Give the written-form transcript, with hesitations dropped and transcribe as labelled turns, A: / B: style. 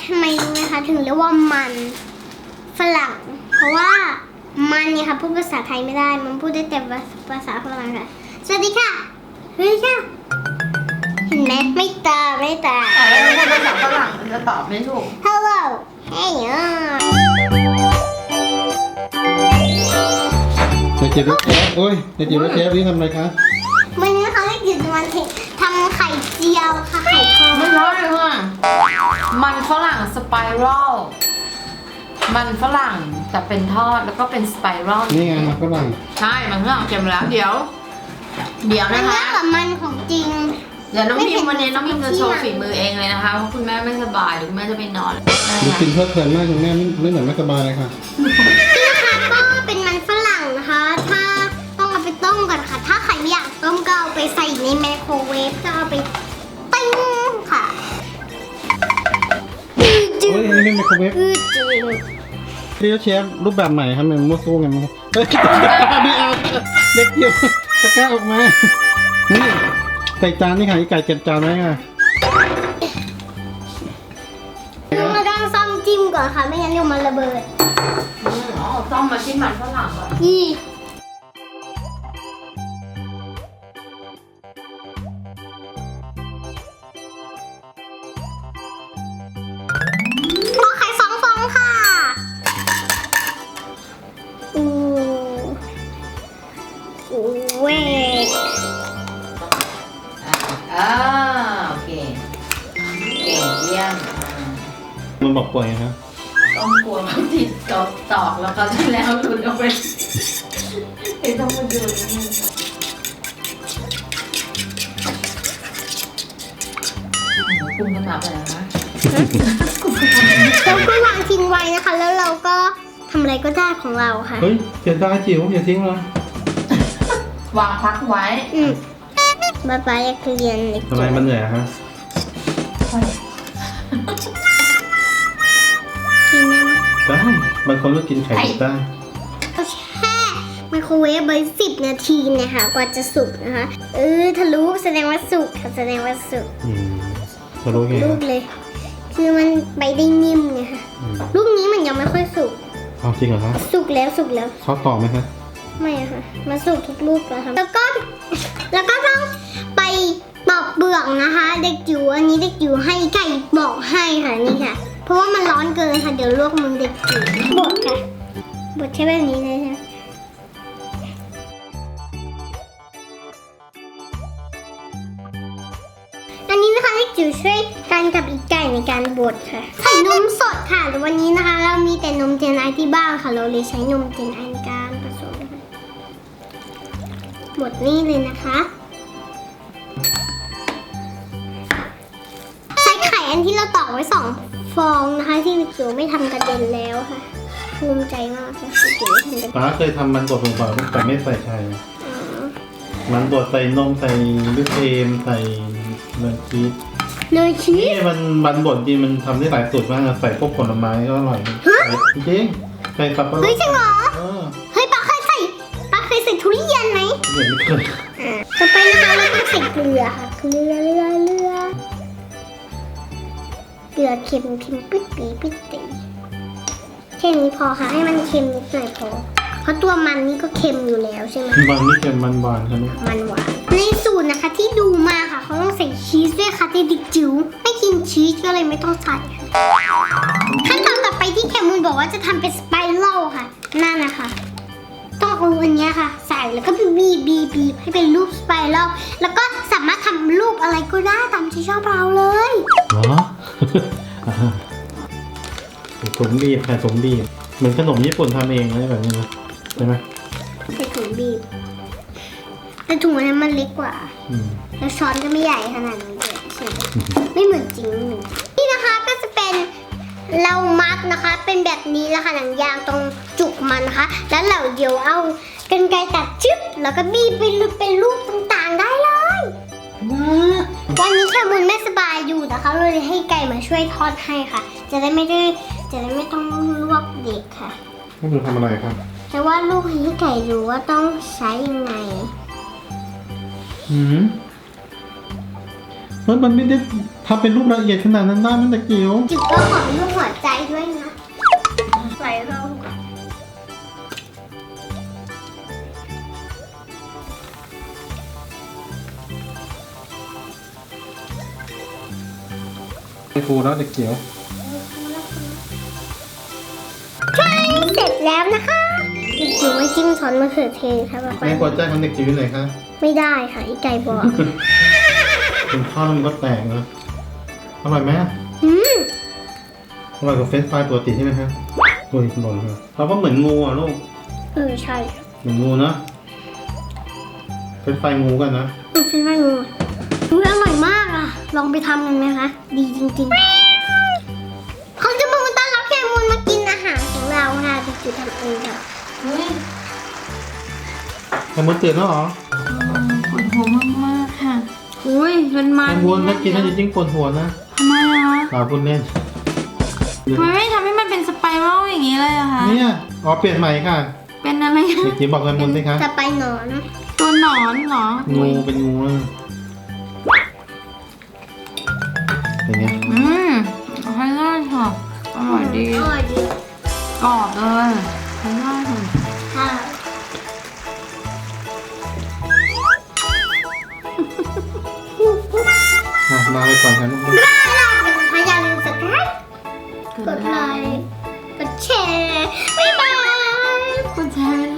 A: ทำไมรู้ไหมคะถึงเรียกว่ามันฝรั่งเพราะว่ามันเนี่ยค่ะพูดภาษาไทยไม่ได้มันพูดได้แต่ภาษาฝรั่งค่ะสวัสดีค่ะสวัสดีค่ะเห็นไหมไม่ตาไม่ตา
B: ถ้าภาษาฝรั่งมันจะตอบไม่ถูก
A: Hello Hey
C: เด็กจิ๋วรถเชฟโอ้ยเด็กจิ๋วรถเชฟนี่ทำอะไรคะ
A: วันนี้นะคะเราอยู่ในวันทำไข่เจียวค่ะไข่ทอด
B: ไม่ร้อนเลยค่ะมันฝรั่งสไปรัลมันฝรั่งแต่เป็นทอดแล้วก็เป็นสไปรัล
C: นี่ไงมันฝรั่ง
B: ใช่มันฝรั่งเค็มแล้วเดี๋ยว
A: มัน
B: นะ
A: เย
B: คะ
A: อะกว่ามันของจริง
B: เดี๋ยวน้องพิมวันนี้น้องพิมจะโชว์ฝีมือเองเลยนะคะเพราะคุณแม่ไม่สบายเดี๋ยวคุณแม่จะไปนอนนะ
C: ดู
B: คะ
C: กินเพลิดเพลินมากคุณแม่ไม่เหมือนไม่สบายเลยค่ะ
A: นี่นะคะก็เป็นมันฝรั่งนะคะ ถ้าต้องเอาไปต้มก่อนค่ะ ถ้าใครไม่อยากต้มก็เอาไปใส่ในไมโครเวฟก็เอาไปติ้งค่ะจื
C: โอ้ย
A: ด
C: นี่ไม่ไมโครเวฟ
A: จืด
C: นี่รถเชฟรูปแบบใหม่ครับมันมั่วสู้ไงมั้งเฮ้ยไม่เอาเด็กจิ๋วตะกร้าออกมานี่ใส่จานนี่ค่ะไก่เก็บจานไว้ค่ะ
A: เราต้องซ่อมจิ้มก่อนค่ะ ไม่งั้นเดี๋ยวมันระเบิด
B: อ๋อต้มมาชิ้นมันฝรั่งก่อน
A: นี่ขอไข่2 ฟองค่ะอู้เว้ย
B: โอเคเก่งเยี่ยม
C: มันบอกป่วยครับ
B: ต้องกลัวมันติดตอกแล้วก็แล้วหลุดออกไปไอ้ต้องมาดูนี่ปรุงกันแบบไหนนะ
A: เราก็วางทิ้งไว้นะคะ แล้วเราก็ทำอะไรก็ได้ของเราค่ะ
C: เฮ้ยเสียดายจิ๋วอย่าทิ้งเลยว
B: างพักไว้
A: บ๊ายบายอยากเรียนอีก
C: ทำไมมันเหนื่อยอะฮะ
A: กินได้ไหม
C: ได้บางคนก็กินไข่ดิบได้
A: เราแช่ไมโครเวฟไว้10 นาทีนะคะกว่าจะสุกนะคะทะลุแสดงว่าสุกค่ะแสดงว่าสุก
C: เรารู้ไง
A: ลู
C: ครั
A: ก
C: บ
A: เลย คือมันไปได้นิ่มไงค่ะลูกนี้มันยังไม่ค่อยสุก
C: เอาจริงเหรอคะ
A: สุกแล้วสุกแล้ว
C: เขาต่อไหมคะ
A: ไม่อะค่ะมันสุกทุกลูกแล้วค่ะแล้วก็ต้องไปปอกเปลือกนะคะ เด็กจิ๋วอันนี้เด็กจิ๋วให้ไก่บอกให้ค่ะนี่ค่ะ เพราะว่ามันร้อนเกินค่ะเดี๋ยวลวกมือเด็กจิ๋วบดค่ะบดใช้แบบนี้เลยค่ะอันนี้นะคะเด็กจิ๋วช่วยกันกับอีกไก่ในการบดค่ะใส่นมสดค่ะแต่วันนี้นะคะ เรามีแต่นมเจนไอที่บ้านค่ะเราเลยใช้นมเจนไอในการผสมค่ะบดนี่เลยนะคะใส่ไข่อันที่เราตอกไว้2 ฟองนะคะที่เด็กจิ๋วไม่ทำกระเด็นแล้วค่ะภูมิใจมากค่ะเด็กจิ๋วไม่ทำกระเด็น
C: ป้าเคยทำมันบดลงไปแต่ไม่ใส่ไข่
A: อ๋อ
C: มันบดใส่นมใส่วิปครีมใส่เนยชีส
A: เนยชี
C: นี่
A: ส
C: มันบดจริงมันทำได้หลายสูตรมากนะใส่พวกผลไม้ก็อร่อยจริงๆใส่สับปะรด
A: เฮ้ยจริงเหรอ
C: เออ
A: เฮ้ยป้าเคยใส่ทุเรียนไหม
C: เห็นไม่เคย
A: ต่อไปนะคะเราต้องใส่เกลือค่ะเกลือเค็มปิดปีปิดตีแค่นี้พอค่ะให้มันเค็มนิดหน่อยพอเพราะตัวมันนี่ก็เค็มอยู่แล้วใช่ไหม
C: บางนี่เค็มมันหวานใช่ไหม
A: มันหวานในสูตรนะคะที่ดูมาค่ะเขาต้องใส่ชีสด้วยค่ะที่ดิกจิ๋วไม่กินชีสก็เลยไม่ต้องใส่ค่ะขั้นตอนต่อไปที่แคมูลบอกว่าจะทำเป็นสไปรัลค่ะนั่นนะคะต้องเอาอันเนี้ยค่ะ ใส่แล้วก็บีบให้เป็นรูปสไปรัลแล้วก็สามารถทำรูปอะไรก็ได้ตามที่ชอบเราเลย
C: เหรอ สมบีบค่ะสมบีบเหมือนขนมญี่ปุ่นทำเองอะไรแบบนี้นะใช่ไหม
A: ใส่ถุงบีบแต่ถุงอันนั้นมันเล็กกว่า
C: อืม
A: แล้วช้อนก็ไม่ใหญ่ขนาดนี้เลยใช่ไหมไม่เหมือนจริงนี่นะคะก็จะเป็นเรามัดนะคะ เป็นแบบนี้แล้วค่ะหนังยางตรงจุกมันนะคะ แล้วเราเดี๋ยวเอากรรไกรตัดชึบแล้วก็บีบเป็นรูปต่างๆได้เลยวันนี้แคมุนไม่สบายอยู่นะคะเราเลยให้ไก่มาช่วยทอดให้ค่ะ จะได้ไม่ต้องลวกเด็กค่ะ
C: นี่คือทำอะไรครับ
A: แต่ว่าลูกให้ไก่รู้ว่าต้องใช้ยังไง
C: อืมเฮ้ยมันไม่ได้ทำเป็นรูปละเอียดขนาดนั้นได้มันเด็กจิ๋ว
A: จุดก็ขอเป็นรูปหัวใจด้วยนะไหลเรา
C: ไอ้ฟูแล้วเด็กจิ๋ว
A: เสร็จแล้วนะคะเด็กจิ๋วไม่จิ้มซอสมะเขือเทศค่ะป๊า
C: แม่
A: ป๊า
C: หัวใจของเด็กจิ๋วอยู่ไหนคะ
A: ไม่ได้ค่ะอีไก่บอก
C: เป็นข้าวแล้วมันก็แตกนะอร่อยไหม
A: อืม
C: อร่อยกว่าเฟรนช์ฟรายปกติใช่ไหมครับโอ้ยหล่นเลยเราก็เหมือนงูอ่ะลูก
A: ใช่
C: เหมือนงูนะเฟรนช์ฟรายงูกันนะ
A: มันเป็นว่างูอร่อยมากอ่ะลองไปทำกันไหมคะดีจริงๆเขาจะมาต้อนรับแขกมูลมากินอาหารของเราค่ะเด็กจิ๋วทำเองค่ะ
B: เฮ้ย
C: แคมูนตื่นแล้วเหรอ
B: ปวดหัวมากๆค่ะอุ้ยเป็นมั
C: แคน มูนถ้ากินน่าจะยิ่งปวดหัวนะ
B: ทำไมอะคะ
C: หาพูดเล่น
B: ทำไมไม่ทำให้มันเป็นสไปรัลอย่างนี้เลยอะคะ
C: เนี่ยอ๋อเปลี่ยนใหม่ค่ะ
B: เป็นอะไร
C: เด็กจิ๋วบอกแคมูนสิคะ
A: จะไปหนอน
B: ตัวหนอนเหรอ
C: งูเป็นงูอะเป็นไง
B: ใช้ได้ค่ะอร่อยดี
A: อร่อยดี
B: กรอบเลยใช้ได้ค่ะ
A: ค่ะ
C: มาไปก่อนครับลูก
A: ถ้าอย่าลืมสับสไครต์กดไลค์กดแชร์บ๊ายบาย
B: กดแชร์